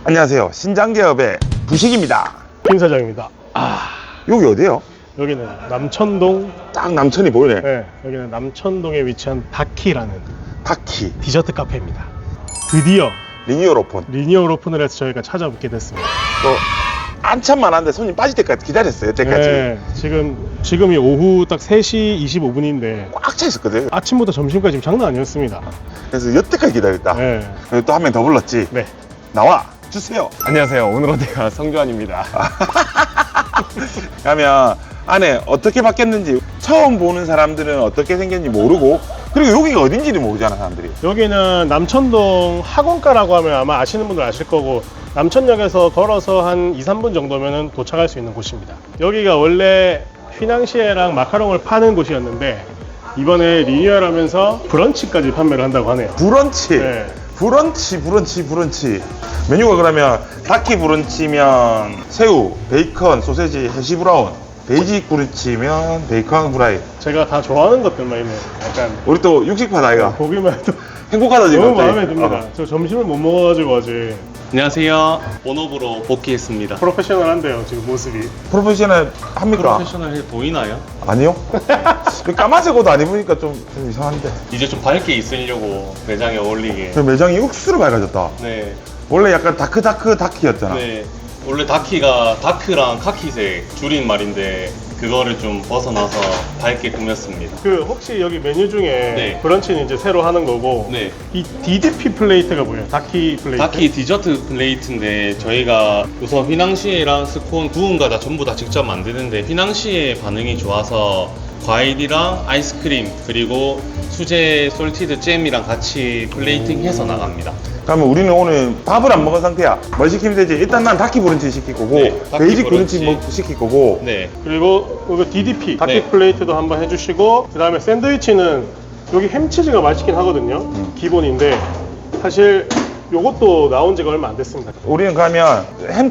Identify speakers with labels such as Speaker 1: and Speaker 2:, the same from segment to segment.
Speaker 1: 안녕하세요. 신장개업의 부식입니다.
Speaker 2: 김 사장입니다.
Speaker 1: 여기 어디예요?
Speaker 2: 여기는 남천동.
Speaker 1: 딱 남천이 보이네.
Speaker 2: 네, 여기는 남천동에 위치한 다키라는
Speaker 1: 다키
Speaker 2: 디저트 카페입니다. 드디어
Speaker 1: 리니얼 오픈.
Speaker 2: 리니얼 오픈을 해서 저희가 찾아뵙게 됐습니다.
Speaker 1: 또 한참 많은데 손님 빠질 때까지 기다렸어요. 여태까지.
Speaker 2: 네, 지금이 오후 딱 3시 25분인데
Speaker 1: 꽉 차 있었거든.
Speaker 2: 아침부터 점심까지 장난 아니었습니다.
Speaker 1: 그래서 여태까지 기다렸다.
Speaker 2: 네.
Speaker 1: 그리고 또 한 명 더 불렀지.
Speaker 2: 네.
Speaker 1: 나와 주세요.
Speaker 3: 안녕하세요. 오늘 어디가 성주환입니다.
Speaker 1: 그러면 안에 어떻게 바뀌었는지 처음 보는 사람들은 어떻게 생겼는지 모르고, 그리고 여기가 어딘지도 모르잖아 사람들이.
Speaker 2: 여기는 남천동 학원가라고 하면 아마 아시는 분들 아실 거고, 남천역에서 걸어서 한 2, 3분 정도면 도착할 수 있는 곳입니다. 여기가 원래 휘낭시에랑 마카롱을 파는 곳이었는데 이번에 리뉴얼하면서 브런치까지 판매를 한다고 하네요.
Speaker 1: 브런치.
Speaker 2: 네.
Speaker 1: 브런치. 메뉴가 그러면 다키 브런치면 새우, 베이컨, 소세지, 해시 브라운, 베이직 브런치면 베이컨 후라이.
Speaker 2: 제가 다 좋아하는 것들만 있네요. 약간
Speaker 1: 우리 또 육식파 나이가
Speaker 2: 보기만 해도
Speaker 1: 행복하다 지금.
Speaker 2: 너무
Speaker 1: 갑자기.
Speaker 2: 마음에 듭니다. 저 점심을 못 먹어가지고 아직
Speaker 3: 안녕하세요. 본업으로 복귀했습니다.
Speaker 2: 프로페셔널한데요, 지금 모습이.
Speaker 1: 프로페셔널 합니까?
Speaker 3: 프로페셔널해 보이나요?
Speaker 1: 아니요. 까만색 옷 안 입으니까 좀 이상한데.
Speaker 3: 이제 좀 밝게 있으려고 매장에 어울리게.
Speaker 1: 그 매장이 억수로 밝아졌다.
Speaker 3: 네.
Speaker 1: 원래 약간 다키였잖아.
Speaker 3: 네. 원래 다키가 다크랑 카키색 줄인 말인데 그거를 좀 벗어나서 밝게 꾸몄습니다.
Speaker 2: 그 혹시 여기 메뉴 중에
Speaker 3: 네.
Speaker 2: 브런치는 이제 새로 하는 거고,
Speaker 3: 네.
Speaker 2: 이 DDP 플레이트가 뭐예요? 다키 플레이트?
Speaker 3: 다키 디저트 플레이트인데 저희가 우선 휘낭시에랑 스콘 구운가 다 전부 다 직접 만드는데 휘낭시에 반응이 좋아서 과일이랑 아이스크림 그리고 수제 솔티드 잼이랑 같이 플레이팅해서 나갑니다.
Speaker 1: 그러면 우리는 오늘 밥을 안 먹은 상태야. 뭘 시키면 되지? 일단 난 다키 브런치 시킬 거고,
Speaker 3: 네, 다키
Speaker 1: 베이직 브런치
Speaker 3: 브런치.
Speaker 1: 시킬 거고.
Speaker 3: 네.
Speaker 2: 그리고 이거 DDP 다키
Speaker 3: 네.
Speaker 2: 플레이트도 한번 해주시고, 그 다음에 샌드위치는 여기 햄치즈가 맛있긴 하거든요. 기본인데 사실 요것도 나온 지가 얼마 안 됐습니다.
Speaker 1: 우리는 그러면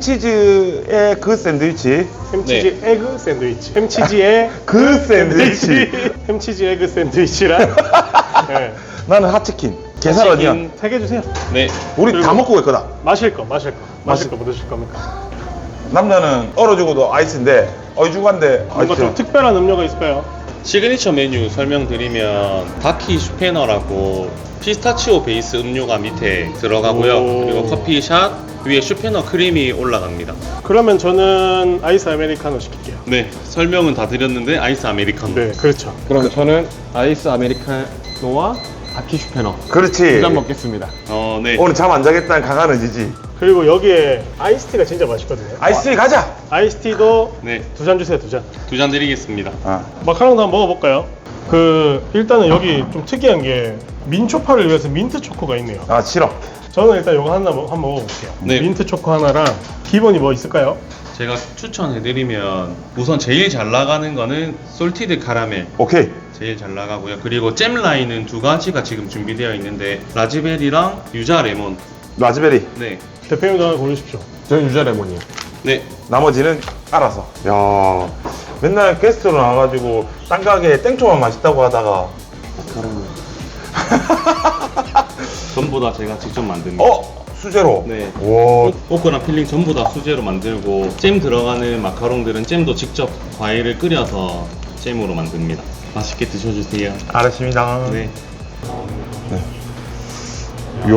Speaker 1: 햄치즈의 그 샌드위치,
Speaker 2: 햄치즈 에그 샌드위치, 햄치즈의
Speaker 1: 그 샌드위치.
Speaker 2: 햄치즈 에그 샌드위치랑 네.
Speaker 1: 나는 핫치킨, 게살 어니언.
Speaker 2: 3개 주세요.
Speaker 3: 네.
Speaker 1: 우리
Speaker 2: 그리고
Speaker 1: 다 먹고 있거든.
Speaker 2: 마실 거 뭐 드실 겁니까?
Speaker 1: 남자는 얼어주고도 아이스인데 어이주간데
Speaker 2: 뭔가 좀 특별한 음료가 있을까요?
Speaker 3: 시그니처 메뉴 설명드리면 다키 슈페너라고 피스타치오 베이스 음료가 밑에 들어가고요.
Speaker 2: 오.
Speaker 3: 그리고 커피샷 위에 슈페너 크림이 올라갑니다.
Speaker 2: 그러면 저는 아이스 아메리카노 시킬게요.
Speaker 3: 네. 설명은 다 드렸는데 아이스 아메리카노.
Speaker 2: 네, 그렇죠.
Speaker 4: 그럼 저는 아이스 아메리카노와 다키 슈페너
Speaker 1: 그렇지.
Speaker 4: 2잔 먹겠습니다.
Speaker 3: 네.
Speaker 1: 오늘 잠 안 자겠다는 강한 의지지.
Speaker 2: 그리고 여기에 아이스티가 진짜 맛있거든요.
Speaker 1: 아이스티 가자.
Speaker 2: 아이스티도
Speaker 3: 네.
Speaker 2: 2잔 주세요, 2잔.
Speaker 3: 2잔 드리겠습니다.
Speaker 2: 마카롱도 한번 먹어볼까요? 일단은 여기 좀 특이한 게 민초파를 위해서 민트 초코가 있네요.
Speaker 1: 싫어.
Speaker 2: 저는 일단 이거 하나 한번 먹어볼게요.
Speaker 3: 네.
Speaker 2: 민트 초코 하나랑 기본이 뭐 있을까요?
Speaker 3: 제가 추천해드리면 우선 제일 잘 나가는 거는 솔티드 카라멜
Speaker 1: 오케이.
Speaker 3: 제일 잘 나가고요. 그리고 잼 라인은 두 가지가 지금 준비되어 있는데 라즈베리랑 유자 레몬.
Speaker 1: 라즈베리.
Speaker 3: 네.
Speaker 2: 대표님도 하나 고르십시오.
Speaker 4: 저는 유자 레몬이요.
Speaker 3: 네.
Speaker 1: 나머지는 알아서. 야, 맨날 게스트로 나와가지고 딴 가게에 땡초만 맛있다고 하다가
Speaker 3: 전부 다 제가 직접 만듭니다.
Speaker 1: 수제로.
Speaker 3: 네.
Speaker 1: 와.
Speaker 3: 포크랑 필링 전부 다 수제로 만들고 잼 들어가는 마카롱들은 잼도 직접 과일을 끓여서 잼으로 만듭니다. 맛있게 드셔주세요.
Speaker 1: 알았습니다.
Speaker 3: 네.
Speaker 1: 요.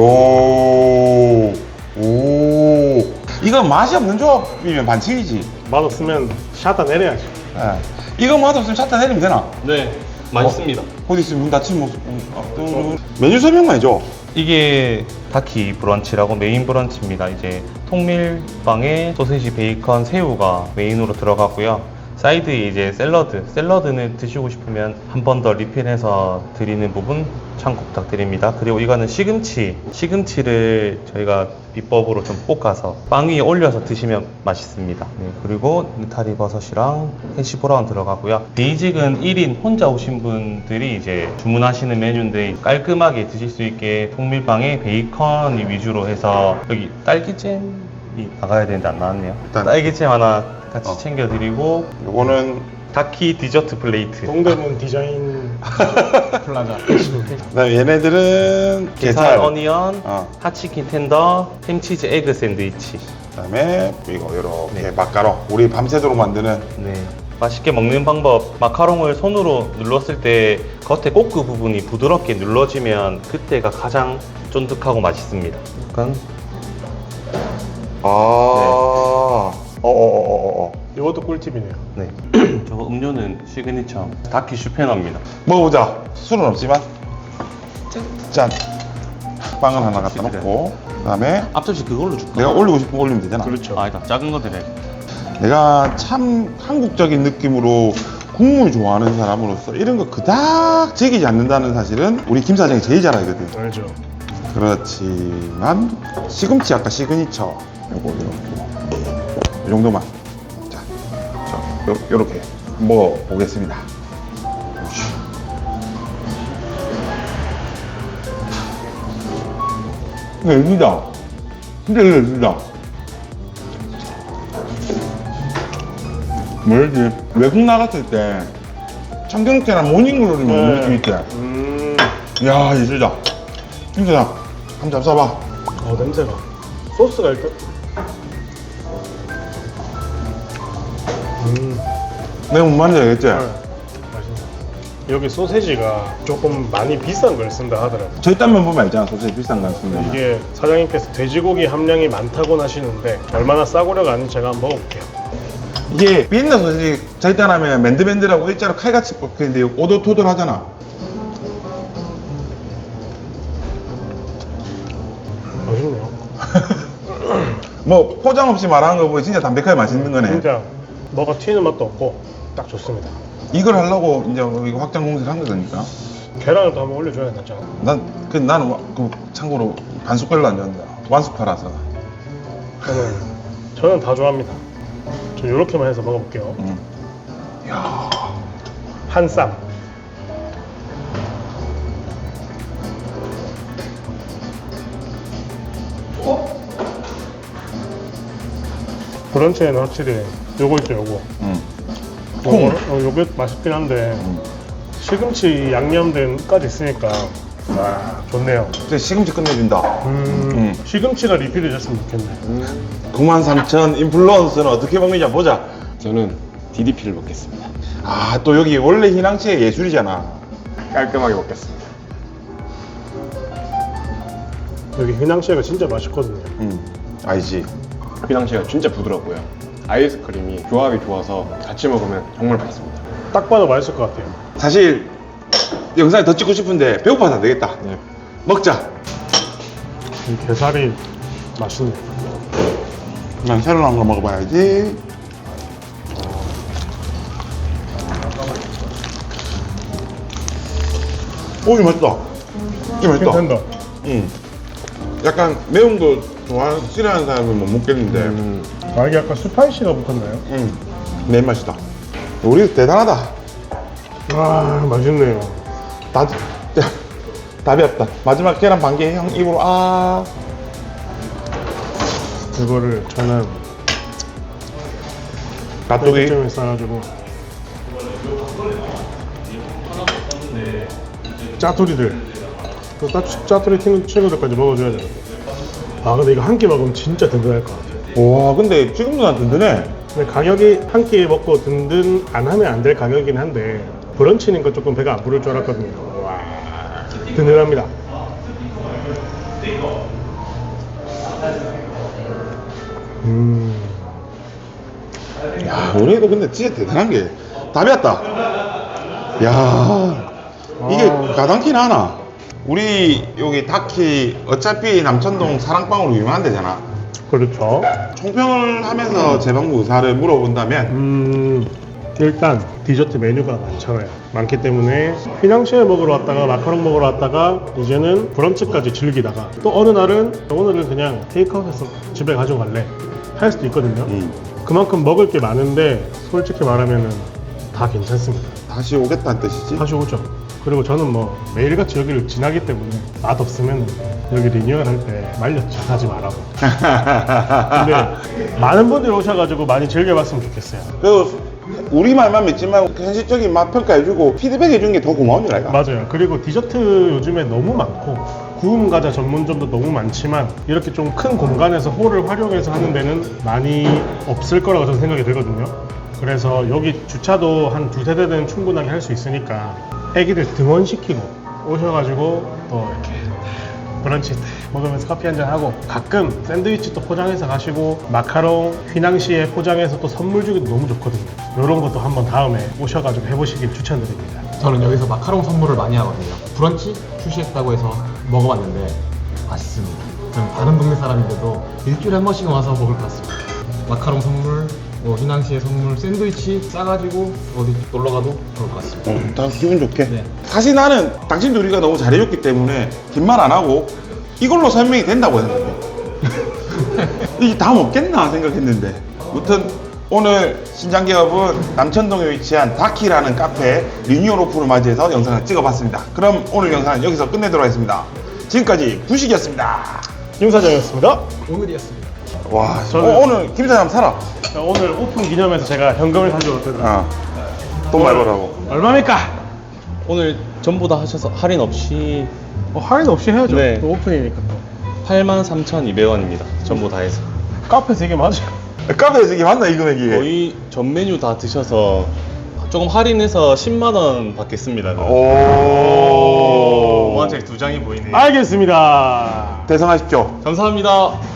Speaker 1: 오. 이건 맛이 없는 조합이면 반칙이지.
Speaker 2: 맛없으면 샷다 내려야죠.
Speaker 1: 이거 맛없으면 샷다 내리면 되나?
Speaker 3: 네. 맛있습니다.
Speaker 1: 어디 있으면 문 닫힌 모습. 메뉴 설명만 해줘.
Speaker 3: 이게 다키 브런치라고 메인 브런치입니다. 이제 통밀빵에 소세지, 베이컨, 새우가 메인으로 들어가고요. 사이드에 이제 샐러드는 드시고 싶으면 한 번 더 리필해서 드리는 부분 참고 부탁드립니다. 그리고 이거는 시금치를 저희가 비법으로 좀 볶아서 빵 위에 올려서 드시면 맛있습니다. 네, 그리고 느타리 버섯이랑 해시 브라운 들어가고요. 베이직은 1인 혼자 오신 분들이 이제 주문하시는 메뉴인데 깔끔하게 드실 수 있게 통밀빵에 베이컨 위주로 해서 여기 딸기잼이 나가야 되는데 안 나왔네요.
Speaker 1: 일단
Speaker 3: 딸기잼 하나 같이 챙겨드리고
Speaker 1: 요거는
Speaker 3: 다키 디저트 플레이트.
Speaker 2: 동대문 디자인 플라자.
Speaker 1: 그다음에 얘네들은
Speaker 3: 게살 어니언,
Speaker 1: 어.
Speaker 3: 핫치킨 텐더, 햄치즈 에그 샌드위치.
Speaker 1: 그다음에 이거 이렇게
Speaker 3: 네.
Speaker 1: 마카롱. 우리 밤새도록 만드는
Speaker 3: 네. 맛있게 먹는 방법. 마카롱을 손으로 눌렀을 때 겉에 꼬끄 부분이 부드럽게 눌러지면 그때가 가장 쫀득하고 맛있습니다. 약간
Speaker 1: 어어어어어.
Speaker 2: 이것도 꿀팁이네요.
Speaker 3: 네. 저거 음료는 시그니처 다키 슈페너입니다.
Speaker 1: 먹어보자. 술은 없지만. 짠. 빵을 하나 갖다 놓고 그다음에
Speaker 3: 앞접시 그걸로 줄까?
Speaker 1: 내가 올리고 싶은 거 올리면 되잖아.
Speaker 2: 그렇죠.
Speaker 3: 아니다. 작은 거 드려.
Speaker 1: 내가 참 한국적인 느낌으로 국물 좋아하는 사람으로서 이런 거 그닥 즐기지 않는다는 사실은 우리 김 사장이 제일 잘 알거든.
Speaker 2: 알죠.
Speaker 1: 그렇지만 시금치 아까 시그니처 요거 이렇게 이 정도만 자, 요렇게 먹어보겠습니다. 열리다. 진짜 열리다. 뭐지? 외국 나갔을 때 청경채랑 모닝글로리 먹는 느낌 있대. 야, 예술이다. 진짜 한번 잡숴봐.
Speaker 2: 냄새가. 소스가 일단.
Speaker 1: 내가 뭔 말인지 알겠지?
Speaker 2: 맛있네. 여기 소세지가 조금 많이 비싼 걸 쓴다 하더라고요.
Speaker 1: 저희 딴면 보면 알잖아. 소세지 비싼 거 쓰는 거.
Speaker 2: 이게 사장님께서 돼지고기 함량이 많다고 하시는데 얼마나 싸구려가 아닌지 제가 한번 먹어볼게요.
Speaker 1: 이게 비엔나 소세지 저희 딴 하면 맨들맨들하고 일자로 칼같이 뽑히는데 오돌토돌 하잖아.
Speaker 2: 맛있네요.
Speaker 1: 뭐 포장 없이 말하는 거 보면 진짜 담백하게 맛있는 거네.
Speaker 2: 진짜 뭐가 튀는 맛도 없고 딱 좋습니다.
Speaker 1: 이걸 하려고 이제 이거 확장 공세를 한 거니까.
Speaker 2: 계란을 또 한번 올려줘야 되잖아.
Speaker 1: 나는 참고로 반 숟갈로 안 좋아한다. 완숙파라서.
Speaker 2: 저는 다 좋아합니다. 전 이렇게만 해서 먹어볼게요.
Speaker 1: 야,
Speaker 2: 한 쌈. 브런치에는 확실히 요거 있죠, 요거.
Speaker 1: 콩.
Speaker 2: 요게 맛있긴 한데 시금치 양념된까지 있으니까 와 좋네요.
Speaker 1: 진짜 시금치 끝내준다.
Speaker 2: 시금치가 리필이 됐으면 좋겠네.
Speaker 1: 93,000 인플루언서는 어떻게 먹느냐 보자.
Speaker 4: 저는 DDP를 먹겠습니다.
Speaker 1: 아, 또 여기 원래 희낭시의 예술이잖아.
Speaker 4: 깔끔하게 먹겠습니다.
Speaker 2: 여기 휘낭시에가 진짜 맛있거든요.
Speaker 1: 알지.
Speaker 4: 휘낭시가 진짜 부드럽고요. 아이스크림이 조합이 좋아서 같이 먹으면 정말 맛있습니다.
Speaker 2: 딱 봐도 맛있을 것 같아요.
Speaker 1: 사실 영상을 더 찍고 싶은데 배고파서 안 되겠다.
Speaker 4: 네.
Speaker 1: 먹자.
Speaker 2: 이 게살이 맛있네.
Speaker 1: 난 새로 나온 거 먹어봐야지. 오, 이 맛있다. 이 맛있다.
Speaker 2: 괜찮다.
Speaker 1: 약간 매운 거 좋아하는, 싫어하는 사람은 못 먹겠는데.
Speaker 2: 아 이게 약간 스파이시가 붙었나요?
Speaker 1: 내 맛이다. 우리 대단하다.
Speaker 2: 아 맛있네요.
Speaker 1: 답이 없다. 마지막 계란 반개 형 입으로
Speaker 2: 이거를 저는
Speaker 1: 가뚜기.
Speaker 2: 좀 싸가지고 짜투리들 그 짜투리 친구들까지 먹어줘야 되는데 아 근데 이거 한 끼 먹으면 진짜 든든할 것 같아요.
Speaker 1: 와, 근데 지금도 난 든든해.
Speaker 2: 근데 가격이 한 끼 먹고 든든 안 하면 안 될 가격이긴 한데 브런치니까 조금 배가 안 부를 줄 알았거든요. 와 든든합니다.
Speaker 1: 야, 우리도 근데 진짜 대단한 게 답이 왔다. 야, 이게 가당키는 하나. 우리 여기 다키 어차피 남천동 사랑방으로 유명한 데잖아.
Speaker 2: 그렇죠.
Speaker 1: 총평을 하면서 제 방문 의사를 물어본다면
Speaker 2: 일단 디저트 메뉴가 많잖아요. 많기 때문에 휘낭시에 먹으러 왔다가 마카롱 먹으러 왔다가 이제는 브런치까지 즐기다가 또 어느 날은 오늘은 그냥 테이크아웃해서 집에 가져갈래 할 수도 있거든요. 그만큼 먹을 게 많은데 솔직히 말하면은 다 괜찮습니다.
Speaker 1: 다시 오겠다는 뜻이지?
Speaker 2: 다시 오죠. 그리고 저는 뭐 매일같이 여기를 지나기 때문에 맛없으면 여기 리뉴얼 할 때 말렸죠. 하지 말라고. 근데 많은 분들이 오셔가지고 많이 즐겨봤으면 좋겠어요.
Speaker 1: 그리고 우리 말만 믿지 말고 현실적인 맛 평가해주고 피드백 해주는 게 더 고마운 줄 알까?
Speaker 2: 맞아요. 그리고 디저트 요즘에 너무 많고 구운 과자 전문점도 너무 많지만 이렇게 좀 큰 공간에서 홀을 활용해서 하는 데는 많이 없을 거라고 저는 생각이 들거든요. 그래서 여기 주차도 한 두세 대는 충분하게 할 수 있으니까 애기들 등원시키고 오셔가지고 또 이렇게 브런치 먹으면서 커피 한잔 하고 가끔 샌드위치 또 포장해서 가시고 마카롱 휘낭시에 포장해서 또 선물 주기도 너무 좋거든요. 이런 것도 한번 다음에 오셔가지고 해보시길 추천드립니다.
Speaker 5: 저는 여기서 마카롱 선물을 많이 하거든요. 브런치 출시했다고 해서 먹어봤는데 맛있습니다. 저는 다른 동네 사람인데도 일주일에 한 번씩은 와서 먹을 것 같습니다. 마카롱 선물, 휘낭시에 선물, 샌드위치 싸가지고 어디 놀러 가도 좋을 것 같습니다.
Speaker 1: 다 기분 좋게.
Speaker 5: 네.
Speaker 1: 사실 나는 당신 둘이가 너무 잘해줬기 때문에 긴 말 안 하고 이걸로 설명이 된다고 생각해. 이게 다 먹겠나 생각했는데. 아무튼 오늘 신장기업은 남천동에 위치한 다키라는 카페 리뉴얼 오픈을 맞이해서 영상을 찍어봤습니다. 그럼 오늘 영상은 여기서 끝내도록 하겠습니다. 지금까지 부식이었습니다.
Speaker 2: 김 사장이었습니다.
Speaker 5: 오늘이었습니다.
Speaker 1: 와,
Speaker 2: 저는-
Speaker 1: 오늘 김 사장 살아.
Speaker 2: 오늘 오픈 기념해서 제가 현금을 가져왔거든요.
Speaker 1: 돈 많이 벌라고.
Speaker 2: 얼마입니까?
Speaker 3: 오늘 전부 다 하셔서 할인 없이
Speaker 2: 할인 없이 해야죠.
Speaker 3: 네.
Speaker 2: 또 오픈이니까 또.
Speaker 3: 83,200원입니다. 전부 다 해서.
Speaker 2: 카페에서 이게 맞아요.
Speaker 1: 카페에서 이게 맞나 이 금액이?
Speaker 3: 거의 전 메뉴 다 드셔서 조금 할인해서 10만 원 받겠습니다.
Speaker 1: 오.
Speaker 3: 5만짜리 2장이 보이네요.
Speaker 2: 알겠습니다.
Speaker 1: 대성하십시오.
Speaker 3: 감사합니다.